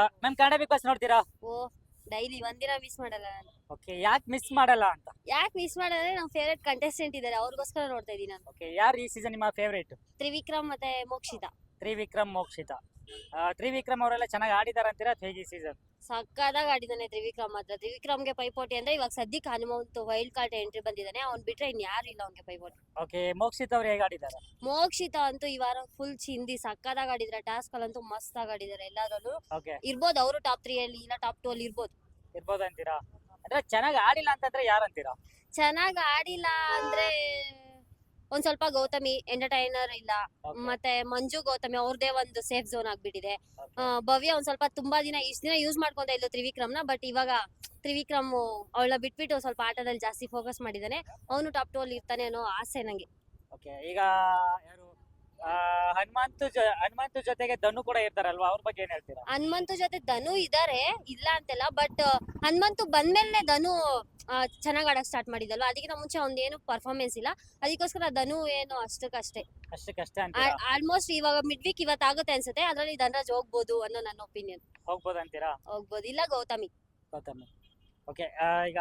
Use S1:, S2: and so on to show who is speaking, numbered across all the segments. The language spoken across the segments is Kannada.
S1: ಮ್ಯಾಮ್ ಕನ್ನಡ ಬಿಗ್ ಬಾಸ್ ನೋಡ್ತೀರಾ?
S2: ಓ ಡೈಲಿ ಒಂದಿನ ಮಿಸ್ ಮಾಡಲ್ಲ ನಾನು.
S1: ಓಕೆ, ಯಾಕೆ ಮಿಸ್ ಮಾಡಲ್ಲ ಅಂತ?
S2: ಯಾಕೆ ಮಿಸ್ ಮಾಡಲ್ಲ, ನಮ್ಮ ಫೇವರೇಟ್ ಕಂಟೆಸ್ಟೆಂಟ್ ಇದ್ದಾರೆ, ಅವ್ರಿಗೋಸ್ಕರ ನೋಡ್ತಾ ಇದೀನಿ ನಾನು.
S1: ಓಕೆ, ಯಾರು ಈ ಸೀಸನ್ ನಿಮ್ಮ ಫೇವರೇಟ್?
S2: ತ್ರಿವಿಕ್ರಮ್ ಮತ್ತೆ ಮೋಕ್ಷಿತಾ.
S1: ತ್ರಿವಿಕ್ರಮ್, ಮೋಕ್ಷಿತಾ. ತ್ರಿವಿಕ್ರಮ್ ಅವರೆಲ್ಲ ಚೆನ್ನಾಗಿ ಆಡಿದಾರೆ ಅಂತೀರಾ ಅಥವಾ ಹೇಗೆ ಈ ಸೀಸನ್?
S2: ಸಕ್ಕದಾಗಿ ಆಡಿದಾನೆ ತ್ರಿವಿಕ್ರಮ್ ಮಾತ್ರ. ತ್ರಿವಿಕ್ರಮ್ಗೆ ಪೈಪೋಟಿ ಅಂದ್ರೆ ಇವಾಗ ಸದ್ಯಕ್ಕೆ ಹನುಮಂತ್ ವೈಲ್ಡ್ ಕಾರ್ಡ್ ಎಂಟ್ರಿ ಬಂದಿದ್ದಾನೆ, ಅವ್ನ್ ಬಿಟ್ರೆ ಇನ್ ಯಾರು ಇಲ್ಲ ಅವ್ನಿಗೆ ಪೈಪೋಟಿ.
S1: ಓಕೆ, ಮೋಕ್ಷಿತಾ ಅವ್ರು ಹೇಗೆ ಆಡಿದ್ದಾರೆ?
S2: ಮೋಕ್ಷಿತಾ ಅಂತೂ ಈ ವಾರ ಫುಲ್ ಚಿಂದಿ ಸಕ್ಕದಾಗಿ ಆಡಿದ್ರೆ, ಟಾಸ್ಕ್ ಅಲ್ಲಂತೂ ಮಸ್ತ್ ಆಗಿ ಆಡಿದಾರೆ ಎಲ್ಲಾದ್ರಲ್ಲೂ.
S1: ಓಕೆ,
S2: ಇರ್ಬೋದು ಅವರು ಟಾಪ್ 3 ಅಲ್ಲಿ ಇಲ್ಲ ಟಾಪ್ 2 ಅಲ್ಲಿ ಇರ್ಬೋದು.
S1: ಇರ್ಬೋದು ಅಂತೀರಾ? ಅಂದ್ರೆ ಚೆನ್ನಾಗಿ ಆಡಿಲ್ಲ ಅಂತಂದ್ರೆ ಯಾರು ಅಂತೀರಾ?
S2: ಚೆನ್ನಾಗಿ ಆಡಿಲ್ಲ ಅಂದ್ರೆ ಒಂದ್ ಸ್ವಲ್ಪ ಗೌತಮಿ ಎಂಟರ್ಟೈನರ್ ಇಲ್ಲ,
S1: Okay.
S2: ಮತ್ತೆ ಮಂಜು ಗೌತಮಿ ಅವ್ರದೇ ಒಂದು ಸೇಫ್ ಝೋನ್ ಆಗ್ಬಿಟ್ಟಿದೆ. ಭವ್ಯ ಒಂದ್ ಸ್ವಲ್ಪ ತುಂಬಾ ಇಷ್ಟ ದಿನ ಯೂಸ್ ಮಾಡ್ಕೊಂತ ಇದ್ಲು ತ್ರಿವಿಕ್ರಮ್ನ, ಬಟ್ ಇವಾಗ ತ್ರಿವಿಕ್ರಮ್ ಅವಳನ್ನ ಬಿಟ್ಬಿಟ್ಟು ಸ್ವಲ್ಪ ಆಟದಲ್ಲಿ ಜಾಸ್ತಿ ಫೋಕಸ್ ಮಾಡಿದಾನೆ. ಅವನು ಟಾಪ್ 2 ಅಲ್ಲಿ ಇರ್ತಾನೆ ಅನ್ನೋ ಆಸೆ ನಂಗೆ.
S1: ಓಕೆ, ಈಗ ಯಾರು ಹನುಮಂತು ಜೊತೆಗೆ ಧನು ಕೂಡ ಇರ್ತಾರಲ್ವಾ, ಅವ್ರ ಬಗ್ಗೆ ಏನ್ ಹೇಳ್ತೀರಾ?
S2: ಹನುಮಂತು ಜೊತೆ ಧನು ಇದಾರೆ, ಇಲ್ಲ ಅಂತೆಲ್ಲ, ಬಟ್ ಹನುಮಂತು ಬಂದ್ಮೇಲೆ ಧನು ಚೆನ್ನಾಗ್ ಆಡಕ್ ಸ್ಟಾರ್ಟ್ ಮಾಡಿದಲ್ವಾ, ಅದಕ್ಕಿಂತ ಮುಂಚೆ ಒಂದೇನು ಪರ್ಫಾರ್ಮೆನ್ಸ್ ಇಲ್ಲ, ಅದಕ್ಕೋಸ್ಕರ ಧನು ಏನು ಅಷ್ಟಕ್ಕಷ್ಟೇ.
S1: ಅಷ್ಟೇ ಅಂತೀರಾ?
S2: ಆಲ್ಮೋಸ್ಟ್ ಇವಾಗ ಮಿಡ್ ವೀಕ್ ಇವತ್ತಾಗುತ್ತೆ ಅನ್ಸುತ್ತೆ, ಅದ್ರಲ್ಲಿ ಧನರಾಜ್ ಹೋಗ್ಬೋದು ಅನ್ನೋ ನನ್ನ ಒಪಿನಿಯನ್.
S1: ಹೋಗ್ಬೋದು ಅಂತೀರಾ?
S2: ಹೋಗ್ಬೋದು, ಇಲ್ಲ ಗೌತಮಿ.
S1: ಓಕೆ, ಈಗ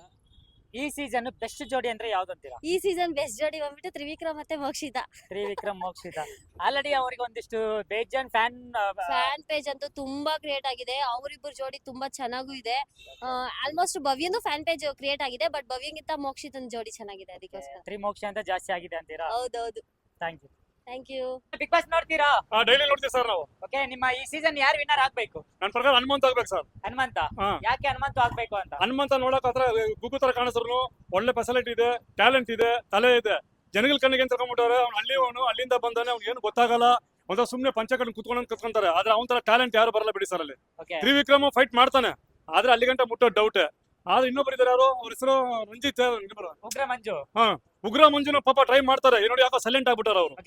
S1: ಈ ಸೀಸನ್ ಬೆಸ್ಟ್ ಜೋಡಿ ಅಂದ್ರೆ ಯಾವ್ದು ಅಂತೀರಾ?
S2: ಈ ಸೀಸನ್ ಬೆಸ್ಟ್ ಜೋಡಿ ಬಂದ್ಬಿಟ್ಟು ತ್ರಿವಿಕ್ರಮ್ ಮತ್ತೆ ಮೋಕ್ಷಿತಾ.
S1: ತ್ರಿವಿಕ್ರಮ್, ಮೋಕ್ಷಿತಾ. ಆಲ್ರೆಡಿ ಅವರಿಗೆ ಒಂದಿಷ್ಟು ಬೇಜಾನ್
S2: ಫ್ಯಾನ್ ಪೇಜ್ ಅಂತೂ ತುಂಬಾ ಕ್ರಿಯೇಟ್ ಆಗಿದೆ, ಅವರಿಬ್ಬರು ಜೋಡಿ ತುಂಬಾ ಚೆನ್ನಾಗೂ ಇದೆ. ಆಲ್ಮೋಸ್ಟ್ ಭವ್ಯನು ಫ್ಯಾನ್ ಪೇಜ್ ಕ್ರಿಯೇಟ್ ಆಗಿದೆ, ಬಟ್ ಭವ್ಯಗಿಂತ ಮೋಕ್ಷಿತನ ಜೋಡಿ ಚೆನ್ನಾಗಿದೆ, ಅದಕ್ಕೋಸ್ಕರ.
S1: ತ್ರಿಮೋಕ್ಷ ಅಂತ ಜಾಸ್ತಿ ಆಗಿದೆ ಅಂತೀರಾ?
S2: ಹೌದೌದು.
S1: Thank you.
S2: Thank you.
S1: Bigg Boss ನೋಡ್ತೀರಾ?
S3: ಡೈಲಿ ನೋಡ್ತೀವಿ ಸರ್ ನಾವು.
S1: ಓಕೆ, ನಿಮ್ಮ ಈ ಸೀಸನ್ ಯಾರು ವಿನ್ನರ್ ಆಗ್ಬೇಕು?
S3: ನನ್ನ ಪ್ರಕಾರ ಹನುಮಂತ ಆಗ್ಬೇಕು ಸರ್.
S1: ಹನುಮಂತ? ಯಾಕೆ ಹನುಮಂತ ಆಗ್ಬೇಕು ಅಂತ?
S3: ಹನುಮಂತ ನೋಡಕ್ ಹತ್ರ ಗುಗ್ಗು ತರ ಕಾಣಿಸ್ರು, ಒಳ್ಳೆ ಫೆಸಿಲಿಟಿ ಇದೆ, ಟ್ಯಾಲೆಂಟ್ ಇದೆ, ತಲೆ ಇದೆ. ಜನಗಳ ಕಣ್ಣಿಗೆ ಏನ್ ತಗೊಂಡ್ಬಿಟ್ಟಾರೆ, ಅವ್ನು ಅಲ್ಲಿಂದ ಬಂದಾನೆ, ಅವ್ನಿಗೆ ಏನು ಗೊತ್ತಾಗಲ್ಲ, ಒಂಥರ ಸುಮ್ನೆ ಪಂಚಕಟ್ಟು ಕುತ್ಕೊಂತಾರೆ. ಆದ್ರೆ ಅವನ ತರ ಟ್ಯಾಲೆಂಟ್ ಯಾರು ಬರಲ್ಲ ಬಿಡಿ ಸರ್ ಅಲ್ಲಿ. ತ್ರಿವಿಕ್ರಮ್ ಫೈಟ್ ಮಾಡ್ತಾನೆ, ಆದ್ರೆ ಅಲ್ಲಿ ಗಂಟ ಮುಟ್ಟೋ ಡೌಟ್. ಆದ್ರೆ ಇನ್ನೊಬ್ರು ಇದಾರೆ, ಯಾರು ಅವ್ರ ಹೆಸರು ರಂಜಿತ್,
S1: ಉಗ್ರ ಮಂಜು.
S3: ಉಗ್ರ ಮಂಜುನ ಪಾಪ ಟ್ರೈ ಮಾಡ್ತಾರೆ, ನೋಡಿ ಯಾಕೋ ಸೈಲೆಂಟ್ ಆಗ್ಬಿಟ್ಟಾರ ಅವರು.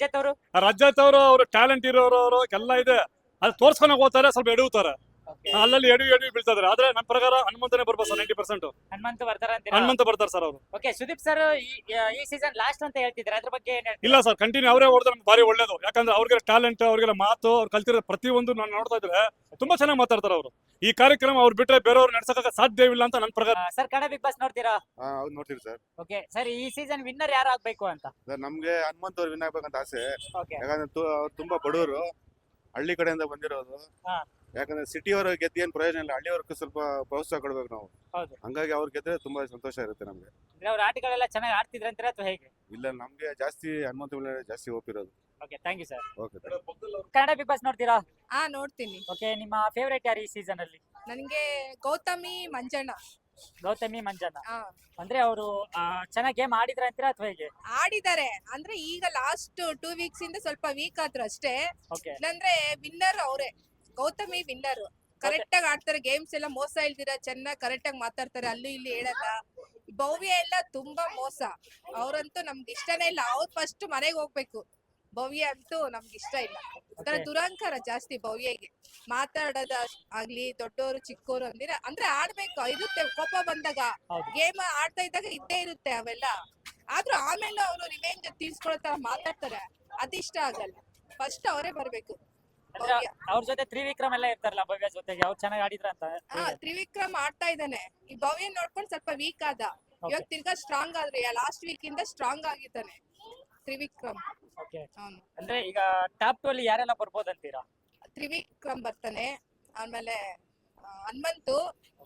S1: ರಜತ್ ಅವರು
S3: ಅವರು ಟ್ಯಾಲೆಂಟ್ ಇರೋರು ಎಲ್ಲ ಇದೆ, ಅದು ತೋರ್ಸ್ಕೊಂಡ್ ಹೋಗ್ತಾರೆ, ಸ್ವಲ್ಪ ಎಡುತ್ತಾರೆ, ಅಲ್ಲಲ್ಲಿ ಎಡಿ ಬೀಳ್ತಾರೆ. ಆದ್ರೆ ನನ್ನ ಪ್ರಕಾರ ಹನುಮಂತನೇ ಬರ್ಬೋದು ಸರ್. 90% ಹನುಮಂತ ಬರ್ತಾರೆ ಸರ್ ಅವರು.
S1: ಓಕೆ, ಸುದೀಪ್ ಸರ್ ಈ ಸೀಸನ್ ಲಾಸ್ಟ್ ಅಂತ ಹೇಳ್ತಿದ್ರೆ ಅದ್ರ ಬಗ್ಗೆ ಏನ್ ಹೇಳ್ತೀರಾ?
S3: ಇಲ್ಲ ಸರ್, ಕಂಟಿನ್ಯೂ ಅವರೇ ಹೊಡೆದ್ರೆ ನಮ್ಗೆ ಭಾರಿ ಒಳ್ಳೇದು. ಯಾಕಂದ್ರೆ ಅವ್ರಿಗೆ ಟ್ಯಾಲೆಂಟ್, ಅವ್ರಿಗೆಲ್ಲ ಮಾತು, ಅವ್ರು ಕಲ್ತಿರೋ ಪ್ರತಿಯೊಂದು ನಾನು ನೋಡ್ತಾ ಇದ್ರೆ ತುಂಬಾ ಚೆನ್ನಾಗಿ ಮಾತಾಡ್ತಾರೆ ಅವರು. ಈ ಕಾರ್ಯಕ್ರಮ ಅವ್ರು ಬಿಟ್ರೆ ಬೇರೆಯವ್ರು ನಡ್ಸಕ್ಕೆ ಸಾಧ್ಯವಿಲ್ಲ ಅಂತ ನನ್ನ ಪ್ರಕಾರ.
S1: ಸರ್, ಕನ್ನಡ ಬಿಗ್ ಬಾಸ್ ನೋಡ್ತೀರಾ?
S4: ಹೌದು, ನೋಡ್ತೀವಿ ಸರ್.
S1: ಓಕೆ ಸರ್, ಈ ಸೀಸನ್ ವಿನ್ನರ್ ಯಾರು ಆಗ್ಬೇಕು ಅಂತ?
S4: ಸರ್, ನಮ್ಗೆ ಹನುಮಂತ್ ಅವ್ರು ವಿನ್ ಆಗ್ಬೇಕಂತ ಆಸೆ.
S1: ಓಕೆ,
S4: ಯಾಕಂದ್ರೆ ಅವ್ರು ತುಂಬಾ ಬಡವರು, ಹಳ್ಳಿ ಕಡೆಯಿಂದ ಬಂದಿರೋದು. ಯಾಕಂದ್ರೆ ಸಿಟಿ ಅವರು ಗೆದ್ದು ಏನ್ ಪ್ರಯೋಜನ ಇಲ್ಲ, ಹಳ್ಳಿಯವ್ರಿಗೆ ಸ್ವಲ್ಪ ಪ್ರೋತ್ಸಾಹ ಕೊಡ್ಬೇಕು ನಾವು.
S1: ಹೌದು.
S4: ಹಂಗಾಗಿ ಅವ್ರು ಗೆದ್ರೆ ತುಂಬಾ ಸಂತೋಷ ಇರುತ್ತೆ ನಮ್ಗೆ.
S1: ಅವ್ರ ಆಟಗಳೆಲ್ಲ ಚೆನ್ನಾಗಿ ಆಡ್ತಿದ್ರ ಅಂತೀರಾ ಅಥವಾ ಹೇಗೆ?
S4: ಇಲ್ಲ, ನಮ್ಗೆ ಜಾಸ್ತಿ ಹನುಮಂತ ಮೇಲೆ ಜಾಸ್ತಿ ಹೋಗಿರೋದು.
S1: Okay, thank you sir.
S4: Okay.
S1: Kannada Bigg Boss ನೋಡ್ತೀರಾ?
S5: ನೋಡ್ತೀನಿ.
S1: ಓಕೆ, ನಿಮ್ಮ ಫೇವರೇಟ್ ಯಾರು ಈ ಸೀಸನ್ ಅಲ್ಲಿ?
S5: ನನಗೆ ಗೌತಮಿ ಮಂಜಣ್ಣ.
S1: ಗೌತಮಿ ಮಂಜಣ್ಣ ಅಂದ್ರೆ ಅವರು ಚೆನ್ನಾಗಿ ಗೇಮ್ ಆಡಿದ್ರ ಅಂತೀರಾ ಅಥವಾ ಹೇಗೆ?
S5: ಆಡಿದ್ದಾರೆ ಅಂದ್ರೆ ಈಗ ಲಾಸ್ಟ್ 2 ವೀಕ್ಸ್ ಇಂದ ಸ್ವಲ್ಪ ವೀಕ್ ಆದ್ರು ಅಷ್ಟೇ.
S1: ಓಕೆ,
S5: ಇಲ್ಲಾಂದ್ರೆ ವಿನ್ನರ್ ಅವರೇ. ಗೌತಮಿ ವಿನ್ನರ್, ಕರೆಕ್ಟ್ ಆಗಿ ಆಡ್ತಾರೆ, ಗೇಮ್ಸ್ ಎಲ್ಲ ಮೋಸ ಇಲ್ದಿರ ಚೆನ್ನಾಗಿ ಕರೆಕ್ಟ್ ಆಗಿ ಮಾತಾಡ್ತಾರೆ, ಅಲ್ಲಿ ಇಲ್ಲಿ ಹೇಳಲ್ಲ. ಭವ್ಯ ಎಲ್ಲ ತುಂಬಾ ಮೋಸ, ಅವ್ರಂತೂ ನಮ್ಗೆ ಇಷ್ಟನೇ ಇಲ್ಲ. ಅವ್ರು ಫಸ್ಟ್ ಮನೆಗೆ ಹೋಗ್ಬೇಕು. ಭವ್ಯ ಅಂತೂ ನಮ್ಗೆ ಇಷ್ಟ ಇಲ್ಲ. ದುರಂಕಾರ ಜಾಸ್ತಿ ಭವ್ಯಗೆ. ಮಾತಾಡೋದ ಆಗ್ಲಿ, ದೊಡ್ಡವರು ಚಿಕ್ಕವರು ಅಂದ್ರೆ ಆಡ್ಬೇಕು ಇರುತ್ತೆ. ಕೋಪ ಬಂದಾಗ, ಗೇಮ್ ಆಡ್ತಾ ಇದ್ದಾಗ ಇದ್ದೇ ಇರುತ್ತೆ ಅವೆಲ್ಲ. ಆದ್ರೂ ಆಮೇಲೆ ಅವರು ರಿವೆಂಜ್ ತೀರ್ಸ್ಕೊಳ್ಳೋ ತರ ಮಾತಾಡ್ತಾರೆ, ಅದಿಷ್ಟ ಆಗಲ್ಲ. ಫಸ್ಟ್ ಅವರೇ ಬರ್ಬೇಕು.
S1: ಅವ್ರ ಜೊತೆ ತ್ರಿವಿಕ್ರಮ್ ಎಲ್ಲ ಇರ್ತಾರಲ್ಲ ಭವ್ಯ ಜೊತೆಗೆ, ಅವ್ರು ಚೆನ್ನಾಗಿ ಆಡಿದ್ರ ಅಂತ?
S5: ತ್ರಿವಿಕ್ರಮ್ ಆಡ್ತಾ ಇದ್ದಾನೆ. ಈ ಭವ್ಯ ನೋಡ್ಕೊಂಡು ಸ್ವಲ್ಪ ವೀಕ್ ಆದ, ಇವಾಗ ತಿರ್ಗಾ ಸ್ಟ್ರಾಂಗ್ ಆದ್ರೆ ಲಾಸ್ಟ್ ವೀಕ್ ಇಂದ ಸ್ಟ್ರಾಂಗ್ ಆಗಿದ್ದಾನೆ ತ್ರಿವಿಕ್ರಮ್.
S1: ಓಕೆ, ಅಂದ್ರೆ ಈಗ ಟಾಪ್ 2 ಅಲ್ಲಿ ಯಾರೆಲ್ಲ ಬರ್ಬೋದು ಅಂತೀರಾ?
S5: ತ್ರಿವಿಕ್ರಮ್ ಬರ್ತಾನೆ, ಆಮೇಲೆ Hanumanthu,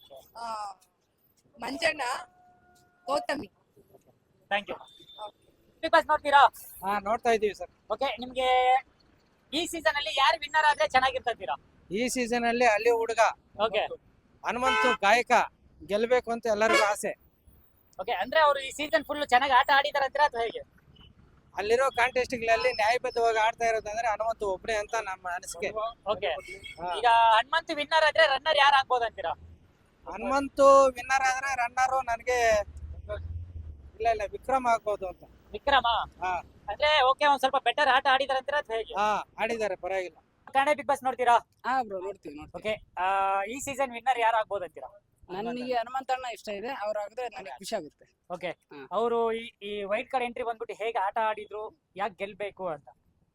S5: Manjanna, Gowthami.
S1: Thank you. Bigg Boss ನೋಡ್ತೀರಾ?
S6: ನೋಡ್ತಾ ಇದೀವಿ ಸರ್.
S1: ಓಕೆ, ನಿಮ್ಗೆ ಈ ಸೀಸನ್ ಅಲ್ಲಿ ಯಾರು ವಿನ್ನರ್ ಆದ್ರೆ ಚೆನ್ನಾಗಿರ್ತೀರಾ?
S6: ಈ ಸೀಸನ್ ಅಲ್ಲಿ ಹಳ್ಳಿ ಹುಡುಗ
S1: ಓಕೆ,
S6: ಹನುಮಂತು ಗಾಯಕ ಗೆಲ್ಬೇಕು ಅಂತ ಎಲ್ಲರಿಗೂ ಆಸೆ.
S1: ಓಕೆ, ಅಂದ್ರೆ ಅವರು ಈ ಸೀಸನ್ ಫುಲ್ ಚೆನ್ನಾಗಿ ಆಟ ಆಡಿದಾರೆ ಅಂತೀರಾ ಅಥವಾ ಹೇಗೆ?
S6: ಅಲ್ಲಿರೋ ಕಾಂಟೆಸ್ಟ್ಗಳಲ್ಲಿ ನ್ಯಾಯಬದ್ಧವಾಗಿ ಆಡ್ತಾ ಇರೋದಂದ್ರೆ ಹನುಮಂತು ಒಬ್ಬನೇ ಅಂತ ನಮ್ಮ ಅನಿಸಿಕೆ.
S1: ಓಕೆ, ಈಗ ಹನುಮಂತು ವಿನ್ನರ್ ಆದ್ರೆ ರನ್ನರ್ ಯಾರು ಆಗ್ಬೋದು ಅಂತೀರಾ?
S6: ಹನುಮಂತು ವಿನ್ನರ್ ಆದ್ರೆ ರನ್ನರು ನನಗೆ ಇಲ್ಲ ವಿಕ್ರಮ್ ಆಗ್ಬೋದು ಅಂತ.
S1: ವಿಕ್ರಮ? ಅಂದ್ರೆ ಓಕೆ, ಒಂದ್ ಸ್ವಲ್ಪ ಬೆಟರ್ ಆಟ ಆಡಿದಾರೆ ಅಂತೀರಾ ಅಥವಾ ಹೇಗೆ?
S6: ಆಡಿದ್ದಾರೆ, ಪರವಾಗಿಲ್ಲ.
S1: ಕನ್ನಡ ಬಿಗ್ ಬಾಸ್ ನೋಡ್ತೀರಾ?
S7: ಬ್ರೋ ನೋಡ್ತೀವಿ.
S1: ಓಕೆ, ಈ ಸೀಸನ್ ವಿನ್ನರ್ ಯಾರು ಆಗ್ಬೋದು ಅಂತೀರಾ?
S7: ನನಗೆ ಹನುಮಂತಣ್ಣ ಇಷ್ಟ ಇದೆ, ಅವ್ರಾಗಿದ್ರೆ ನನಗೆ ಖುಷಿ ಆಗುತ್ತೆ.
S1: ಓಕೆ, ಅವರು ಈ ವೈಟ್ ಕಾರ್ಡ್ ಎಂಟ್ರಿ ಬಂದ್ಬಿಟ್ಟು ಹೇಗೆ ಆಟ ಆಡಿದ್ರು, ಯಾಕೆ ಗೆಲ್ಬೇಕು ಅಂತ?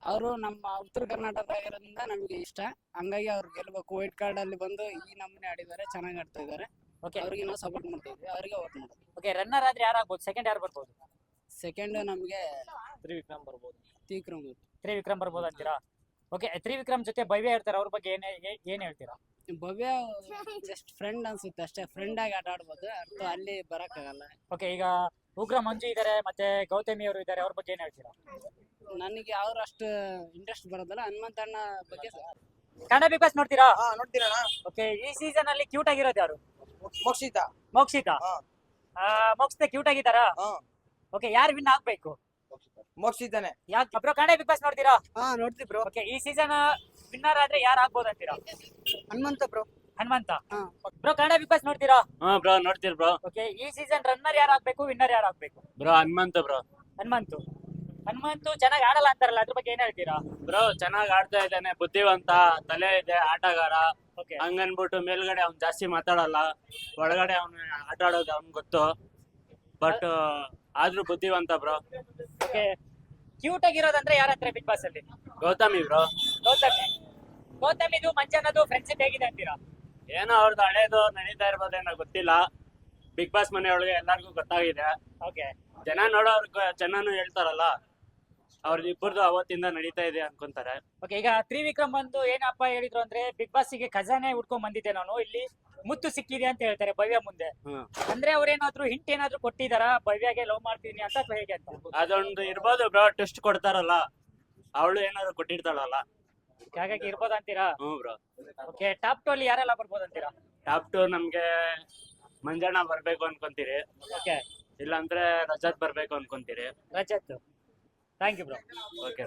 S7: ಅವರು ನಮ್ಮ ಉತ್ತರ ಕರ್ನಾಟಕದಾಗಿರೋದ್ರಿಂದ ನಮಗೆ ಇಷ್ಟ. ಹಂಗಾಗಿ ಅವ್ರು ಗೆಲ್ಬೇಕು. ವೈಟ್ ಕಾರ್ಡ್ ಅಲ್ಲಿ ಬಂದು ಈ ನಮೂನೆ ಆಡಿದ್ದಾರೆ, ಚೆನ್ನಾಗಿ ಆಡ್ತಾ ಇದ್ದಾರೆ.
S1: ಓಕೆ
S7: ಅವ್ರಿಗೆ ನಾವು ಸಪೋರ್ಟ್ ಮಾಡ್ತಾ ಇದ್ವಿ, ಅವ್ರಿಗೆ ವೋಟ್ ಮಾಡೋದು.
S1: ಓಕೆ ರನ್ನರ್ ಆದ್ರೆ ಯಾರು ಆಗ್ಬೋದು, ಸೆಕೆಂಡ್ ಯಾರು ಬರ್ಬೋದು?
S7: ಸೆಕೆಂಡ್ ನಮಗೆ
S1: ತ್ರಿವಿಕ್ರಮ್ ಬರ್ಬೋದು.
S7: ತ್ರಿವಿಕ್ರಮ್
S1: ಬರ್ಬೋದು ಅಂತೀರಾ? ಓಕೆ ತ್ರಿವಿಕ್ರಮ್ ಜೊತೆ ಭವ್ಯ ಇರ್ತಾರೆ, ಅವ್ರ ಬಗ್ಗೆ ಏನ್ ಹೇಳ್ತೀರಾ?
S7: ಭವ್ಯ ಜಸ್ಟ್ ಫ್ರೆಂಡ್ ಅನ್ಸುತ್ತೆ ಅಷ್ಟೇ, ಫ್ರೆಂಡ್ ಆಗಿ ಆಟ ಆಡ್ಬೋದು, ಅಥವಾ ಅಲ್ಲಿ ಬರಕ್ಕಾಗಲ್ಲ.
S1: ಓಕೆ ಈಗ ಉಗ್ರ ಮಂಜು ಇದಾರೆ, ಮತ್ತೆ ಗೌತಮಿ ಅವರು ಇದಾರೆ, ಅವ್ರ ಬಗ್ಗೆ ಏನ್ ಹೇಳ್ತೀರಾ?
S7: ನನಗೆ ಅವ್ರು ಅಷ್ಟು ಇಂಟ್ರೆಸ್ಟ್ ಬರೋದಲ್ಲ. ಹನುಮಂತಣ್ಣ ಬಗ್ಗೆ
S1: ಕನ್ನಡ ಬಿಗ್ ಬಾಸ್ ನೋಡ್ತೀರಾ?
S6: ನೋಡ್ತೀರಣ್ಣ.
S1: ಓಕೆ ಈ ಸೀಸನ್ ಅಲ್ಲಿ ಕ್ಯೂಟ್ ಆಗಿರೋದು ಯಾರು?
S6: ಮೋಕ್ಷಿತಾ.
S1: ಮೋಕ್ಷಿತಾ.
S6: ಹಾ.
S1: ಮೋಕ್ಷಿತಾ ಕ್ಯೂಟ್ ಆಗಿದ್ದಾರಾ?
S6: ಹಾ.
S1: ಓಕೆ ಯಾರು ವಿನ್ ಆಗ್ಬೇಕು?
S6: ಮೋಕ್ಷಿತಾನೆ.
S1: ಯಾಕೆ ಬ್ರೋ ಕನ್ನಡ ಬಿಗ್ ಬಾಸ್ ನೋಡ್ತೀರಾ?
S6: ನೋಡ್ತೀವಿ ಬ್ರೋ.
S1: ಓಕೆ ಈ ಸೀಸನ್ ವಿನ್ನರ್ ಆದ್ರೆ ಯಾರು ಆಗ್ಬೋದು ಅಂತೀರಾ?
S6: ಹನುಮಂತ ಬ್ರೋ.
S1: ಹನುಮಂತ.
S6: ಹಾ.
S1: ಬ್ರೋ ಕನ್ನಡ ಬಿಗ್ ಬಾಸ್ ನೋಡ್ತೀರಾ?
S3: ಹಾ ಬ್ರೋ ನೋಡ್ತೀರಿ ಬ್ರೋ.
S1: ಓಕೆ ಈ ಸೀಸನ್ ರನ್ನರ್ ಯಾರು ಆಗ್ಬೇಕು, ವಿನ್ನರ್ ಯಾರು ಆಗ್ಬೇಕು?
S3: Bro Hanumantha bro.
S1: ಹನುಮಂತು ಚೆನ್ನಾಗಿ ಆಡಲ್ಲ ಅಂತಾರಲ್ಲ, ಅದ್ರ ಬಗ್ಗೆ ಏನ್ ಹೇಳ್ತೀರಾ?
S3: ಬ್ರೋ ಚೆನ್ನಾಗಿ ಆಡ್ತಾ ಇದ್ದಾನೆ, ಬುದ್ಧಿವಂತ, ತಲೆ ಇದೆ, ಆಟಗಾರ.
S1: ಓಕೆ
S3: ಹಂಗನ್ಬಿಟ್ಟು ಮೇಲ್ಗಡೆ ಅವ್ನು ಜಾಸ್ತಿ ಮಾತಾಡಲ್ಲ, ಒಳಗಡೆ ಅವ್ನು ಆಟ ಆಡೋದು ಅವ್ನ್ ಗೊತ್ತು. ಬಟ್ ಆದ್ರೂ ಬುದ್ಧಿವಂತ ಬ್ರೋ.
S1: ಓಕೆ ಕ್ಯೂಟ್ ಆಗಿರೋದಂದ್ರೆ ಯಾರಂತಾರೆ ಬಿಗ್ ಬಾಸ್ ಅಲ್ಲಿ?
S3: ಗೌತಮಿ ಬ್ರೋ.
S1: ಗೌತಮಿದು ಮಂಜನದು ಫ್ರೆಂಡ್ಶಿಪ್ ಹೇಗಿದೆ ಅಂತೀರಾ?
S3: ಏನೋ ಅವ್ರದ್ದು ಹಳೇದು ನಡೀತಾ ಇರ್ಬೋದೇನೋ ಗೊತ್ತಿಲ್ಲ. ಬಿಗ್ ಬಾಸ್ ಮನೆಯೊಳಗೆ ಎಲ್ಲಾರ್ಗು ಗೊತ್ತಾಗಿದೆ.
S1: ಓಕೆ
S3: ಜನ ನೋಡೋರ್ಗ ಚೆನ್ನಾನು ಹೇಳ್ತಾರಲ್ಲ, ಅವ್ರದ್ದು ಇಬ್ಬರದು ಅವತ್ತಿಂದ ನಡೀತಾ ಇದೆ ಅನ್ಕೊಂತಾರೆ.
S1: ಓಕೆ ಈಗ ತ್ರಿವಿಕ್ರಮ್ ಬಂದು ಏನಪ್ಪ ಹೇಳಿದ್ರು ಅಂದ್ರೆ, ಬಿಗ್ ಬಾಸ್ ಗೆ ಖಜಾನೆ ಹುಡ್ಕೊಂಡ್ ಬಂದಿದ್ದೆ ನಾನು, ಇಲ್ಲಿ ಮುತ್ತು ಸಿಕ್ಕಿದೆ ಅಂತ ಹೇಳ್ತಾರೆ ಭವ್ಯ ಮುಂದೆ. ಅಂದ್ರೆ ಅವ್ರೇನಾದ್ರು ಹಿಂಟ್ ಏನಾದ್ರು ಕೊಟ್ಟಿದಾರ ಭವ್ಯಗೆ ಲವ್ ಮಾಡ್ತೀನಿ ಅಂತ, ಅಥವಾ ಹೇಗೆ ಅಂತ?
S3: ಅದೊಂದು ಇರ್ಬೋದು ಬ್ರೋ, ಟೆಸ್ಟ್ ಕೊಡ್ತಾರಲ್ಲ, ಅವಳು ಏನಾದ್ರು ಕೊಟ್ಟಿರ್ತಾಳಲ್ಲ,
S1: ಹಾಗಾಗಿ ಇರ್ಬೋದು ಅಂತೀರಾ?
S3: ಬ್ರೋ.
S1: ಓಕೆ ಟಾಪ್ 2 ಅಲ್ಲಿ ಯಾರೆಲ್ಲ ಬರ್ಬೋದು ಅಂತೀರಾ?
S3: ಟಾಪ್ 2 ನಮ್ಗೆ ಮಂಜಣ್ಣ ಬರ್ಬೇಕು ಅನ್ಕೊಂತೀರಿ,
S1: ಓಕೆ
S3: ಇಲ್ಲಾಂದ್ರೆ ರಜತ್ ಬರ್ಬೇಕು ಅನ್ಕೊಂತೀರಿ.
S1: Rajath. Thank you bro.
S3: Okay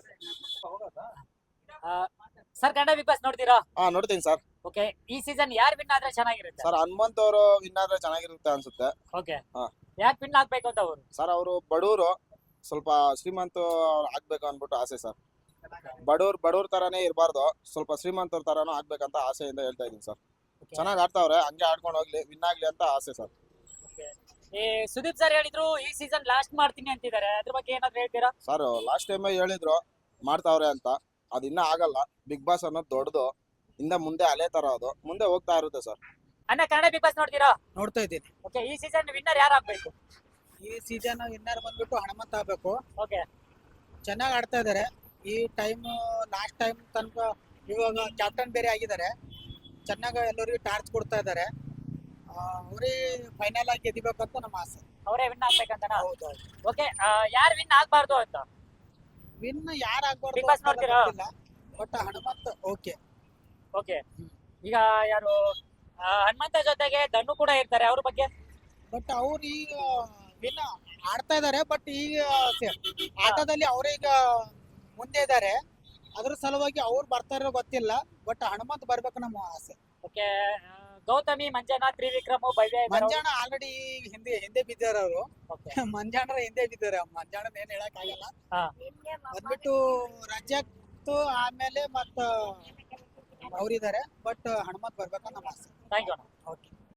S1: sir Kannada Bigg Boss ನೋಡ್ತೀರಾ?
S8: ನೋಡ್ತೀನಿ ಸರ್.
S1: ಓಕೆ ಈ ಸೀಸನ್ ಯಾರು ವಿನ್ ಆದ್ರೆ ಚೆನ್ನಾಗಿರುತ್ತೆ?
S8: ಸರ್ ಹನುಮಂತ್ ಅವರು ವಿನ್ ಆದ್ರೆ ಚೆನ್ನಾಗಿರುತ್ತೆ ಅನ್ಸುತ್ತೆ.
S1: ಓಕೆ
S8: ಹಾ.
S1: ಯಾಕೆ ವಿನ್ ಆಗ್ಬೇಕು ಅಂತ ಅವರು?
S8: ಸರ್ ಅವರು ಬಡವರು, ಸ್ವಲ್ಪ ಶ್ರೀಮಂತ ಅವ್ರು ಆಗ್ಬೇಕು ಅನ್ಬಿಟ್ಟು ಆಸೆ ಸರ್. ಬಡವ್ರ ತರಾನೇ ಇರಬಾರ್ದು, ಸ್ವಲ್ಪ ಶ್ರೀಮಂತರ ತರಾನು ಆಗ್ಬೇಕಂತ ಆಸೆಯಿಂದ ಹೇಳ್ತಾ ಇದೀನಿ ಸರ್. ಚೆನ್ನಾಗಿ ಆಡ್ತಾವ್ರೆ, ಹಂಗೆ ಆಡ್ಕೊಂಡು ಹೋಗ್ಲಿ, ವಿನ್ ಆಗ್ಲಿ ಅಂತ ಆಸೆ ಸರ್.
S1: ಈ ಸುದೀಪ್ ಸರ್ ಹೇಳಿದ್ರು ಈ ಸೀಸನ್ ಲಾಸ್ಟ್ ಮಾಡ್ತೀನಿ ಅಂತಿದ್ದಾರೆ, ಅದ್ರ ಬಗ್ಗೆ ಏನಾದ್ರು ಹೇಳ್ತೀರಾ?
S8: ಸರ್ ಲಾಸ್ಟ್ ಟೈಮ್ ಹೇಳಿದ್ರು ಮಾಡ್ತಾವ್ರೆ ಅಂತ, ಅದು ಇನ್ನ ಆಗಲ್ಲ. ಬಿಗ್ ಬಾಸ್ ಅನ್ನೋದು ದೊಡ್ಡದು, ಇಂದ ಮುಂದೆ ಅಲೆ ತರ ಅದು ಮುಂದೆ ಹೋಗ್ತಾ ಇರುತ್ತೆ ಸರ್.
S1: ಅಣ್ಣ ಕನ್ನಡ ಬಿಗ್ ಬಾಸ್ ನೋಡ್ತೀರಾ?
S6: ನೋಡ್ತಾ ಇದ್ದೀನಿ.
S1: ಓಕೆ ಈ ಸೀಸನ್ ವಿನ್ನರ್ ಯಾರು ಆಗ್ಬೇಕು?
S6: ಈ ಸೀಸನ್ ವಿನ್ನರ್ ಬಂದ್ಬಿಟ್ಟು ಹನುಮಂತ ಆಗ್ಬೇಕು.
S1: ಓಕೆ
S6: ಚೆನ್ನಾಗಿ ಆಡ್ತಾ ಇದಾರೆ. ಈ ಟೈಮ್ ಲಾಸ್ಟ್ ಟೈಮ್ ತನಕ ಇವಾಗ ಕ್ಯಾಪ್ಟನ್ ಬೇರೆ ಆಗಿದ್ದಾರೆ, ಚೆನ್ನಾಗಿ ಎಲ್ಲರಿಗೂ ಟಾರ್ಚ್ ಕೊಡ್ತಾ ಇದ್ದಾರೆ. ಅವರೇ ಫೈನಲ್ ಆಗಿ ಗೆದಿಬೇಕಂತ ನಮ್ಮ ಆಸೆ.
S1: ಅವರೇ ವಿನ್ ಆಗ್ಬೇಕಂತನಾ?
S6: ಹೌದು.
S1: ಓಕೆ ಯಾರು ವಿನ್ ಆಗ್ಬಾರ್ದು ಅಂತ?
S6: ವಿನ್ ಯಾರು ಆಗ್ಬಾರ್ದು
S1: Big Boss ನೋಡ್ತೀರಾ?
S6: But Hanumantha okay.
S1: ಓಕೆ ಈಗ ಯಾರು ಹನುಮಂತ ಜೊತೆಗೆ ಧನು ಕೂಡ ಇರ್ತಾರೆ, ಅವ್ರ ಬಗ್ಗೆ?
S6: ಬಟ್ ಅವ್ರು ಈಗ ವಿನ್ ಆಡ್ತಾ ಇದಾರೆ, ಬಟ್ ಈಗ ಆಟದಲ್ಲಿ ಅವರೇ ಈಗ ಮುಂದೆ ಇದ್ದಾರೆ. ಅದ್ರ ಸಲುವಾಗಿ ಅವ್ರು ಬರ್ತಾರೋ ಗೊತ್ತಿಲ್ಲ, ಬಟ್ ಹನುಮಂತ್ ಬರ್ಬೇಕು ನಮ್ಮ ಆಸೆ.
S1: ಓಕೆ ಗೌತಮಿ, ಮಂಜನಾ, ತ್ರಿವಿಕ್ರಮ್, ಭವ್ಯ ಇದ್ದಾರೆ.
S6: ಮಂಜಾಣ ಆಲ್ರೆಡಿ ಹಿಂದೆ ಬಿದ್ದಾರ ಅವರು.
S1: Okay.
S6: ಮಂಜಾಣರ ಹಿಂದೆ ಬಿದ್ದಾರೆ. ಮಂಜಾಣ ಏನ್ ಹೇಳಕ್ ಆಗಲ್ಲ.
S1: ಹಾ.
S6: ಬಂದ್ಬಿಟ್ಟು ರಜತ್ ಆಮೇಲೆ ಮತ್ತ ಅವ್ರಿದ್ದಾರೆ, ಬಟ್ ಹನುಮಂತ್ ಬರ್ಬೇಕಂತ ನಮ್ಮ ಆಸೆ.
S1: Thank you.
S6: ಓಕೆ.